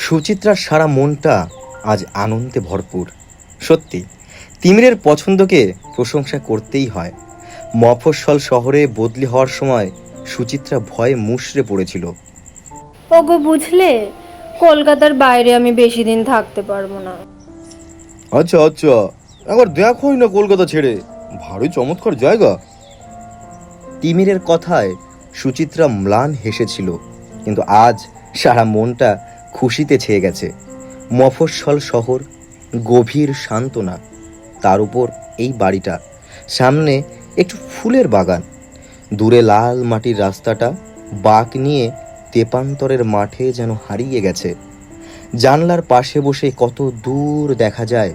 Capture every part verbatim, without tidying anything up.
সুচিত্রার সারা মনটা আজ আনন্দে ভরপুর। সত্যি তিমিরের পছন্দকে প্রশংসা করতেই হয়। মফস্বল শহরে বদলি হওয়ার সময় সুচিত্রা ভয়ে মুষড়ে পড়েছিল। ওগো বুঝলে, কলকাতার বাইরে আমি বেশি দিন থাকতে পারবো না। আচ্ছা আচ্ছা, একবার দেখোই না কলকাতা ছেড়ে, ভারী চমৎকার জায়গা। তিমিরের কথায় সুচিত্রা ম্লান হেসেছিল, কিন্তু আজ সারা মনটা খুশিতে ছেয়ে গেছে। মফস্বল শহর, গভীর সান্ত্বনা, তার উপর এই বাড়িটা, সামনে একটু ফুলের বাগান, দূরে লাল মাটির রাস্তাটা বাঁক নিয়ে তেপান্তরের মাঠে যেন হারিয়ে গেছে। জানলার পাশে বসে কত দূর দেখা যায়।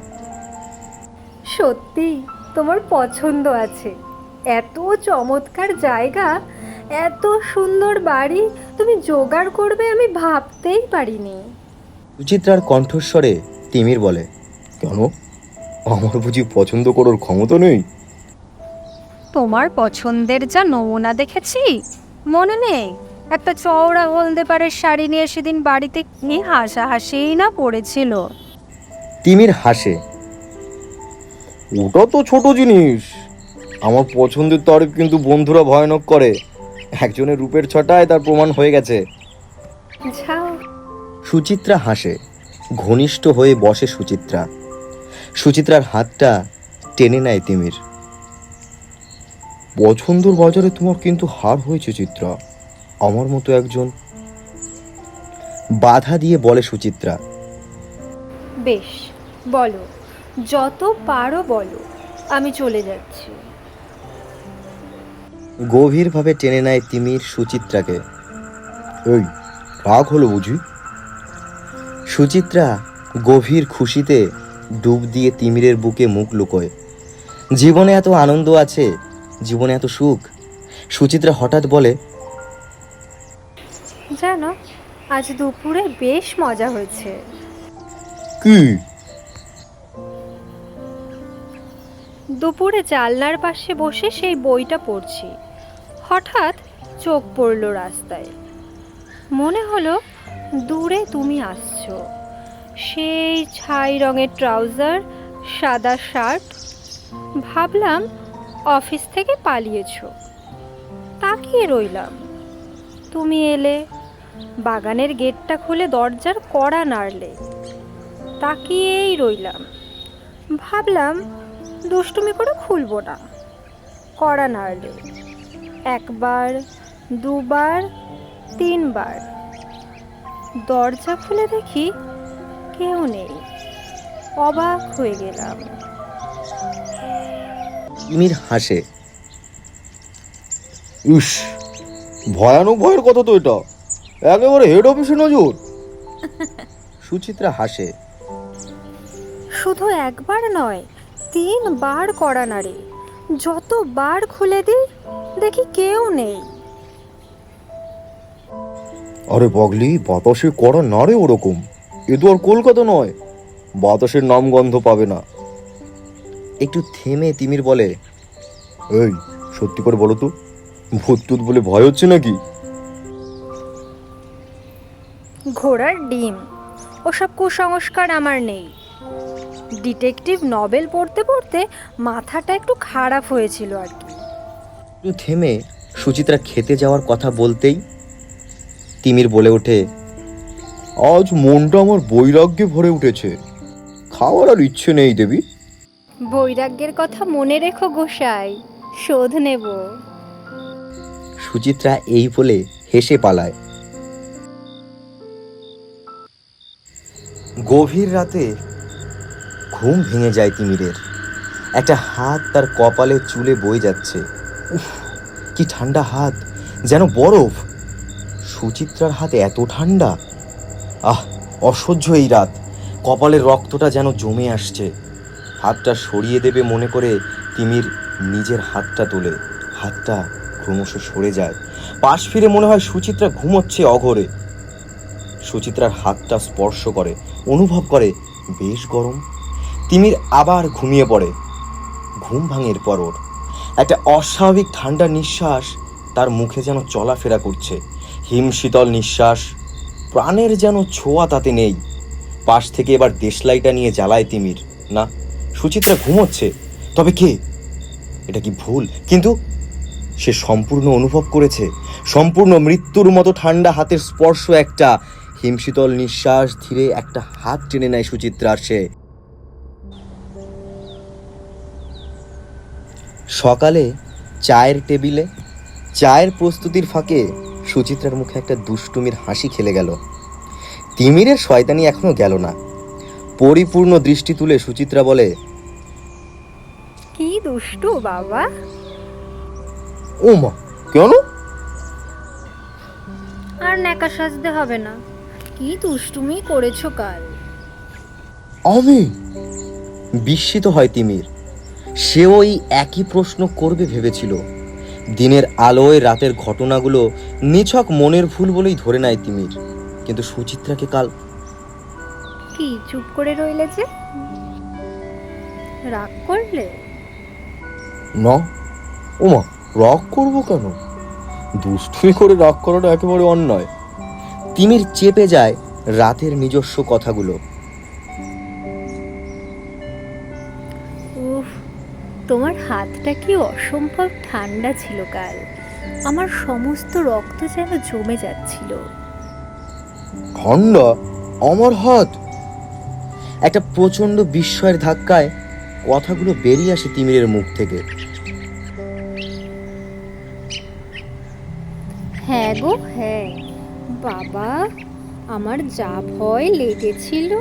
সত্যি তোমার পছন্দ আছে। এত চমৎকার জায়গা, এত সুন্দর বাড়ি তুমি জোগাড় করবে আমি ভাবতেই পারিনি। সুচিত্রার কণ্ঠস্বরে তিমির বলে, কেন, আমার বুঝি পছন্দ করার ক্ষমতা নেই? তোমার পছন্দের যা নমুনা দেখেছি, মনে নেই একটা চওড়া হলদে পাড়ের শাড়ি নিয়ে সেদিন বাড়িতে কি হাসাহাসিই না পড়েছিল। তিমির হাসে, ওটা তো ছোট জিনিস, আমার পছন্দের তারিফ কিন্তু বন্ধুরা ভয়ানক করে। একজনের রূপের ছটায় তার প্রমাণ হয়ে গেছে। যাও। সুচিত্রা হাসে, ঘনিষ্ঠ হয়ে বসে সুচিত্রা। সুচিত্রার হাতটা টেনে নেয় তিমির। পছন্দর বাজারে তোমার কিন্তু হার হয়েছে চিত্রা, আমার মতো একজন। বাধা দিয়ে বলে সুচিত্রা, বেশ, বলো, যত পারো বলো, আমি চলে যাচ্ছি। গভীরভাবে টেনে নেয় তিমির সুচিত্রাকে। এই, রাগ হলো বুঝি? সুচিত্রা গভীর খুশিতে ডুব দিয়ে তিমিরের বুকে মুখ লুকোয়। জীবনে এত আনন্দ আছে, জীবনে এত সুখ। সুচিত্রা হঠাৎ বলে, জানো, আজ দুপুরে বেশ মজা হয়েছে। কি? দুপুরে জানলার পাশে বসে সেই বইটা পড়ছি, হঠাৎ চোখ পড়ল রাস্তায়। মনে হলো দূরে তুমি আসছো, সেই ছাই রঙের ট্রাউজার, সাদা শার্ট। ভাবলাম অফিস থেকে পালিয়েছো। তাকিয়ে রইলাম, তুমি এলে, বাগানের গেটটা খুলে দরজার কড়া নাড়লে। তাকিয়েই রইলাম, ভাবলাম দুষ্টুমি করে খুলবো না। কড়া নাড়লে একবার, দুবার, তিনবার। দরজা খুলে দেখি কেউ নেই। অবাক হয়ে গেলাম। তিমির হাসে, ইস, ভয়ানক ভয়ের কথা তো এটা, একেবারে হেড অফিসে নজর। সুচিত্রা হাসে, শুধু একবার নয়, তিনবার কড়া নাড়ে। যতবার খুলে দিই দেখি কেউ নেই। আরে পাগলি, বাতাসে কড়া নাড়ে ওরকম, এ তো আর কলকাতা নয়, বাতাসের নাম গন্ধ পাবে না। একটু থেমে তিমির বলে, এই, সত্যি করে বলো তো, ভূত টুত বলে ভয় হচ্ছে নাকি? ঘোড়ার ডিম, ওসব কুসংস্কার আমার নেই। ডিটেকটিভ নভেল পড়তে পড়তে মাথাটা একটু খারাপ হয়েছিল আর কি। একটু থেমে সুচিত্রা খেতে যাওয়ার কথা বলতেই তিমির বলে ওঠে, আজ মনটা আমার বৈরাগ্যে ভরে উঠেছে, খাওয়ার আর ইচ্ছে নেই দেবী। বৈরাগ্যের কথা মনে রেখো গোসাই, শোধ নেব। সুচিত্রা এই বলে হেসে পালায়। গভীর রাতে ঘুম ভেঙে যায় তিমিরের। একটা হাত তার কপালে চুলে বয়ে যাচ্ছে। উফ, কি ঠান্ডা হাত, যেন বরফ। সুচিত্রার হাত এত ঠান্ডা, আহ, অসহ্য এই রাত। কপালের রক্তটা যেন জমে আসছে। হাতটা সরিয়ে দেবে মনে করে তিমির নিজের হাতটা তোলে। হাতটা ক্রমশ সরে যায়। পাশ ফিরে মনে হয় সুচিত্রা ঘুমোচ্ছে অঘরে। সুচিত্রার হাতটা স্পর্শ করে, অনুভব করে বেশ গরম। তিমির আবার ঘুমিয়ে পড়ে। ঘুম ভাঙের পর ওর একটা অস্বাভাবিক ঠান্ডা নিঃশ্বাস তার মুখে যেন চলাফেরা করছে, হিমশীতল নিঃশ্বাস। প্রাণের যেন ছোঁয়া তাতে নেই। পাশ থেকে এবার দেশলাইটা নিয়ে জ্বালায় তিমির। না, সুচিত্রা ঘুমোচ্ছে। তবে কে? এটা কি ভুল? কিন্তু সে সম্পূর্ণ অনুভব করেছে, সম্পূর্ণ মৃত্যুর মতো ঠান্ডা হাতের স্পর্শ, একটা হিমশীতল নিঃশ্বাস। ধীরে একটা হাত টেনে নেয় সুচিত্রার সে। সকালে চায়ের টেবিলে চায়ের প্রস্তুতির ফাঁকে সুচিত্রার মুখে একটা দুষ্টুমির হাসি খেলে গেল। তিমিরের শয়তানি এখনো গেল না। পরিপূর্ণ দৃষ্টি তুলে সুচিত্রা বলে, কি দুষ্টু বাবা। ও মা, কেন? আর ন্যাকা সাজতে হবে না। কি দুষ্টুমি করেছো কাল। আমি? বিস্মিত হয় তিমির। সে ওই একই প্রশ্ন করবে ভেবেছিল। দিনের আলোয় রাতের ঘটনাগুলো নিছক মনের ভুল বলেই ধরে নেয় তিমির। কিন্তু সুচিত্রাকে কাল কি চুপ করে রইলে যে? রাগ করলে? না। ও মা, রাগ করবো কেন? দুষ্টুমি করে রাগ করাটা একেবারে অন্যায়। তিমির চেপে যায় রাতের নিজস্ব কথাগুলো। উফ, তোমার হাতটা কি অসম্ভব ঠান্ডা ছিল কাল। আমার সমস্ত রক্ত যেন জমে যাচ্ছিল। ঠান্ডা? আমার হাত? একটা প্রচন্ড বিস্ময়ের ধাক্কায় কথাগুলো বেরিয়ে আসে তিমিরের মুখ থেকে। হ্যাঁ গো হ্যাঁ বাবা, আমার যা ভয় লেগেছিল।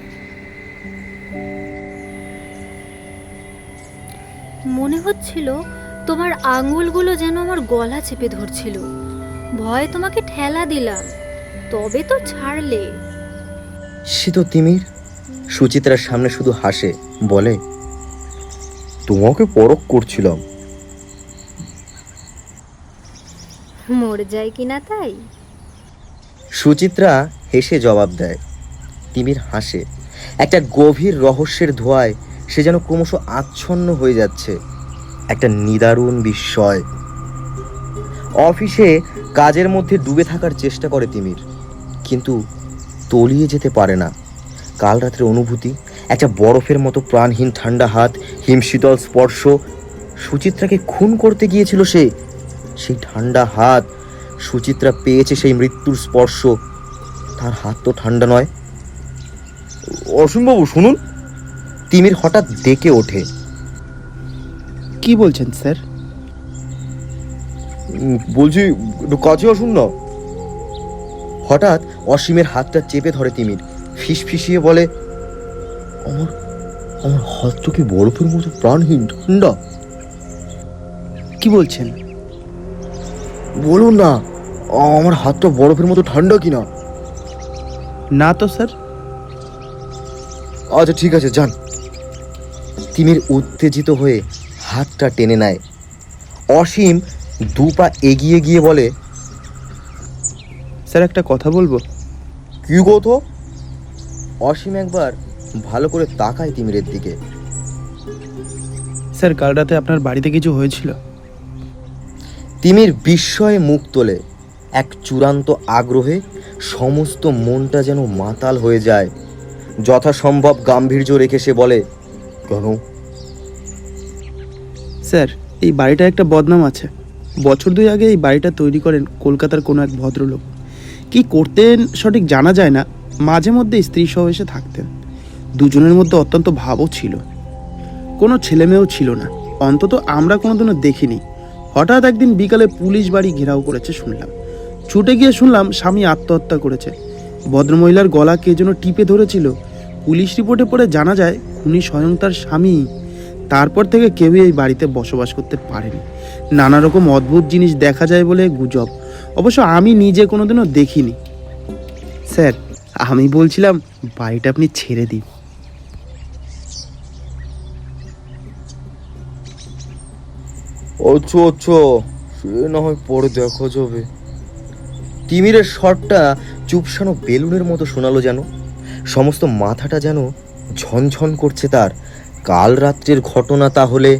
মনে হচ্ছিল তোমার আঙুলগুলো যেন আমার গলা চেপে ধরছিল। ভয়ে তোমাকে ঠেলা দিলাম, তবে তো ছাড়লে। সে তো তিমির সুচিত্রার সামনে শুধু হাসে, বলে, তোমাকে পরখ করছিলাম। মরে যায় কিনা তাই? সুচিত্রা হেসে জবাব দেয়। তিমির হাসে। একটা গভীর রহস্যের ধোঁয়ায় সে যেন ক্রমশ আচ্ছন্ন হয়ে যাচ্ছে। একটা নিদারুণ বিস্ময়। অফিসে কাজের মধ্যে ডুবে থাকার চেষ্টা করে তিমির, কিন্তু তলিয়ে যেতে পারে না। কাল রাতের অনুভূতি, একটা বরফের মতো প্রাণহীন ঠান্ডা হাত, হিমশীতল স্পর্শ। সুচিত্রাকে খুন করতে গিয়েছিল সে। সেই ঠান্ডা হাত, সুচিত্রা পেয়েছে সেই মৃত্যুর স্পর্শ। তার হাত তো ঠান্ডা নয়। অসীমবাবু শুনুন। তিমির হঠাৎ ডেকে ওঠে। কি বলছেন স্যার? বলছি একটু কাছে আসুন না। হঠাৎ অসীমের হাতটা চেপে ধরে তিমির, ফিস ফিসিয়ে বলে, আমার আমার হাতটা কি বরফের মতো প্রাণহীন ঠান্ডা? কি বলছেন? বলুন না, আমার হাতটা বরফের মতো ঠান্ডা কিনা। না তো স্যার। আচ্ছা ঠিক আছে, যান। তিমির উত্তেজিত হয়ে হাতটা টেনে নেয়। অসীম দু পা এগিয়ে গিয়ে বলে, স্যার একটা কথা বলবো। কি কথা? অসীম একবার ভালো করে তাকায় তিমিরের দিকে। স্যার কাল রাতে আপনার বাড়িতে কিছু হয়েছিল? তিমির বিস্ময়ে মুখ তোলে। এক চূড়ান্ত আগ্রহে সমস্ত মনটা যেন মাতাল হয়ে যায়। যথাসম্ভব গাম্ভীর্য রেখে সে বলে, কেন? স্যার এই বাড়িটা একটা বদনাম আছে। বছর দুই আগে এই বাড়িটা তৈরি করেন কলকাতার কোনো এক ভদ্রলোক। কি করতেন সঠিক জানা যায় না, মাঝে মধ্যে স্ত্রী সহ এসে থাকতেন। দুজনের মধ্যে অত্যন্ত ভাবও ছিল। কোনো ছেলেমেয়েও ছিল না, অন্তত আমরা কোনোদিনও দেখিনি। হঠাৎ একদিন বিকালে পুলিশ বাড়ি ঘেরাও করেছে শুনলাম। ছুটে গিয়ে শুনলাম স্বামী আত্মহত্যা করেছে। ভদ্রমহিলার গলা কে যেন টিপে ধরেছিল। পুলিশ রিপোর্টে পড়ে জানা যায় খুনি স্বয়ং তার স্বামী। তারপর থেকে কেউই এই বাড়িতে বসবাস করতে পারেনি। নানা রকম অদ্ভুত জিনিস দেখা যায় বলে গুজব, অবশ্য আমি নিজে কোনোদিনও দেখিনি। স্যার আমি বলছিলাম বাড়িটা আপনি ছেড়ে দিন। আচ্ছা আচ্ছা, সে না হয় পরে দেখা যাবে। তিমিরের শটটা চুপসানো বেলুনের মতো শোনালো যেন। সমস্ত মাথাটা যেন ঝনঝন করছে তার। কাল রাত্রের ঘটনা তাহলে।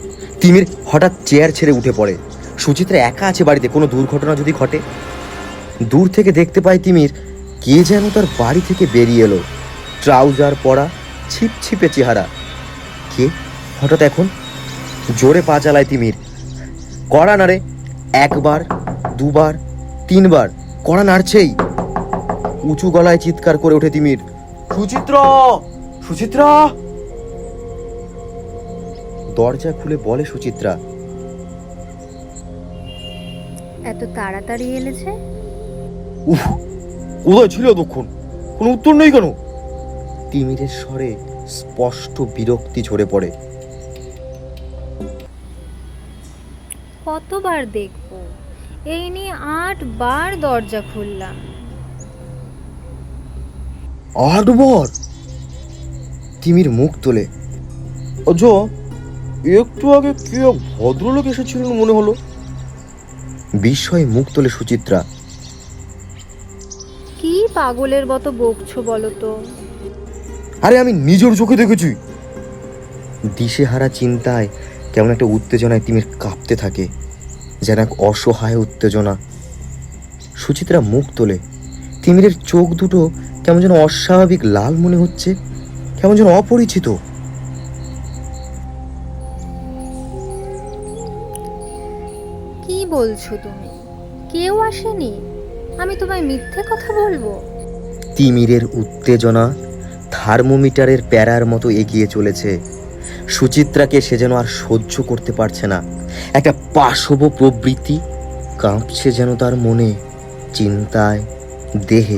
তিমির হঠাৎ চেয়ার ছেড়ে উঠে পড়ে। সুচিত্রা একা আছে বাড়িতে, কোনো দুর্ঘটনা যদি ঘটে। দূর থেকে দেখতে পায় তিমির কে যেন তার বাড়ি থেকে বেরিয়ে এলো, ট্রাউজার পরা, ছিপছিপে চেহারা। কে হঠাৎ এখন? জোরে পা চালায় তিমির। কড়া নাড়ে, একবার, দুবার, তিনবার, কড়া নাড়ছেই। উঁচু গলায় চিৎকার করে ওঠে তিমির, সুচিত্রা, সুচিত্রা। দরজা খুলে বলে সুচিত্রা, এত তাড়াতাড়ি এলে যে? উফ, কোথায় ছিল এতক্ষণ? কোনো উত্তর নেই কেন? তিমিরের স্বরে স্পষ্ট বিরক্তি ঝরে পড়ে। কতবার দেখবো? এই নিয়ে আট বার দরজা খুললাম। আটবার? তিমির মুখ তোলে। আচ্ছা, একটু আগে কে এক ভদ্রলোক এসেছিলেন মনে হলো। বিস্ময়ে মুখ তোলে সুচিত্রা। কি পাগলের মতো বকছো বলো তো? আরে আমি নিজের চোখে দেখেছি। দিশেহারা চিন্তায় কেমন একটা উত্তেজনায় তিমির কাঁপতে থাকে, যেন এক অসহায় উত্তেজনা। সুচিত্রা মুখ তোলে। তিমিরের চোখ দুটো কেমন যেন অস্বাভাবিক লাল মনে হচ্ছে, কেমন যেন অপরিচিত। কি বলছো তুমি? কেউ আসেনি? আমি তোমায় মিথ্যে কথা বলবো? তিমিরের উত্তেজনা থার্মোমিটারের প্যারার মতো এগিয়ে চলেছে। সুচিত্রাকে সে যেন আর সহ্য করতে পারছে না। একটা পাশব প্রবৃত্তি কাঁপছে যেন তার মনে, চিন্তায়, দেহে।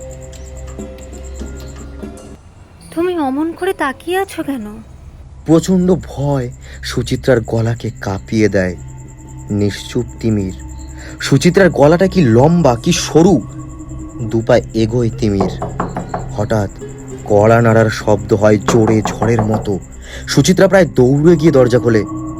তুমি অমন করে তাকিয়ে আছো কেন? প্রচণ্ড ভয় সুচিত্রার গলাকে কাঁপিয়ে দেয়। নিশ্চুপ তিমির। সুচিত্রার গলাটা কি লম্বা, কি সরু। দুপায় এগোয় তিমির। হঠাৎ কড়া নাড়ার শব্দ হয় জোরে, ঝড়ের মতো। সুচিত্রা প্রায় দৌড়ে গিয়ে দরজা খোলে।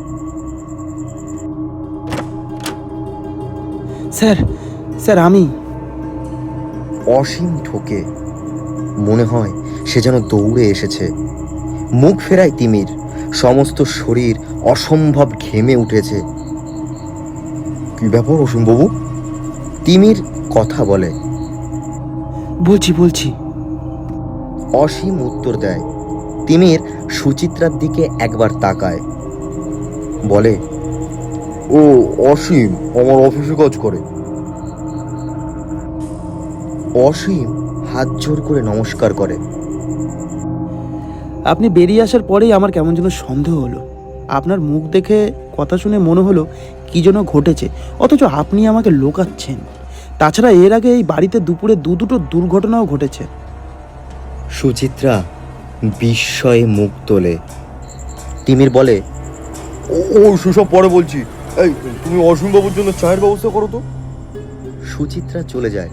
স্যার, স্যার আমি। অসীম ঠোকে। মনে হয় সে যেন দৌড়ে এসেছে। মুখ ফেরায় তিমির। সমস্ত শরীর অসম্ভব ঘেমে উঠেছে। কি ব্যাপার অসীমবাবু? তিমির কথা বলে। বলছি বলছি অসীম উত্তর দেয়। তিমির সুচিত্রার দিকে একবার তাকায়, বলে, ও অসীম আমার অফিসে কাজ করে। অসীম হাত জোর করে নমস্কার করে। আপনি বেরিয়ে আসার পরেই আমার কেমন যেন সন্দেহ হলো। আপনার মুখ দেখে, কথা শুনে মনে হলো কি যেন ঘটেছে, অথচ আপনি আমাকে লোকাচ্ছেন। তাছাড়া এর আগে এই বাড়িতে দুপুরে দু দুটো দুর্ঘটনাও ঘটেছে। সুচিত্রা বিস্ময়ে মুখ তোলে। তিমির বলে, ও সেসব পরে বলছি, এই তুমি অসীমবাবুর জন্য চায়ের ব্যবস্থা করো তো। সুচিত্রা চলে যায়।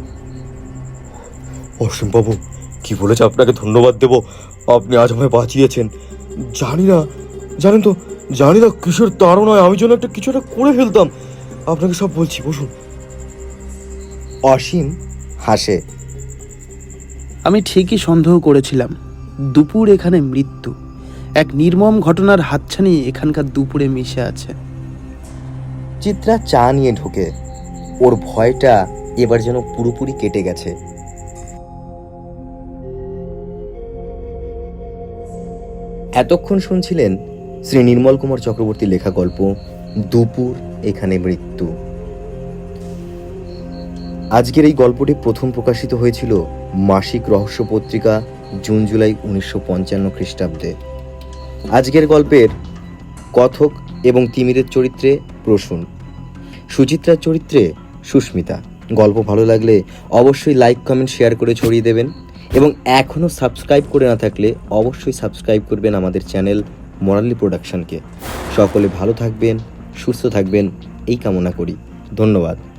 অসীমবাবু কি বলেছে আপনাকে ধন্যবাদ দেব, আপনি আজ আমায় বাঁচিয়েছেন। জানি না, জানেন তো, জানি না কিসের তাড়নায় আমি যেন একটা কিছু একটা করে ফেলতাম। আপনাকে সব বলছি, বসুন। অসীম হাসে। আমি ঠিকই সন্দেহ করেছিলাম, দুপুর এখানে মৃত্যু। এক নির্মম ঘটনার হাতছানি এখানকার দুপুরে মিশে আছে। চিত্রা চা নিয়ে ঢোকে। ওর ভয়টা এবার যেন পুরোপুরি কেটে গেছে। এতক্ষণ শুনছিলেন শ্রী নির্মল কুমার চক্রবর্তী লেখা গল্প দুপুর এখানে মৃত্যু। আজকের এই গল্পটি প্রথম প্রকাশিত হয়েছিল মাসিক রহস্য পত্রিকা জুন জুলাই উনিশশো পঞ্চান্ন খ্রিস্টাব্দে। আজকের গল্পের কথক এবং তিমিরের চরিত্রে প্রসূন, সুচিত্রার চরিত্রে সুস্মিতা। গল্প ভালো লাগলে অবশ্যই লাইক, কমেন্ট, শেয়ার করে ছড়িয়ে দেবেন এবং এখনও সাবস্ক্রাইব করে না থাকলে অবশ্যই সাবস্ক্রাইব করবেন আমাদের চ্যানেল মোরালি প্রোডাকশনকে। সকলে ভালো থাকবেন, সুস্থ থাকবেন এই কামনা করি। ধন্যবাদ।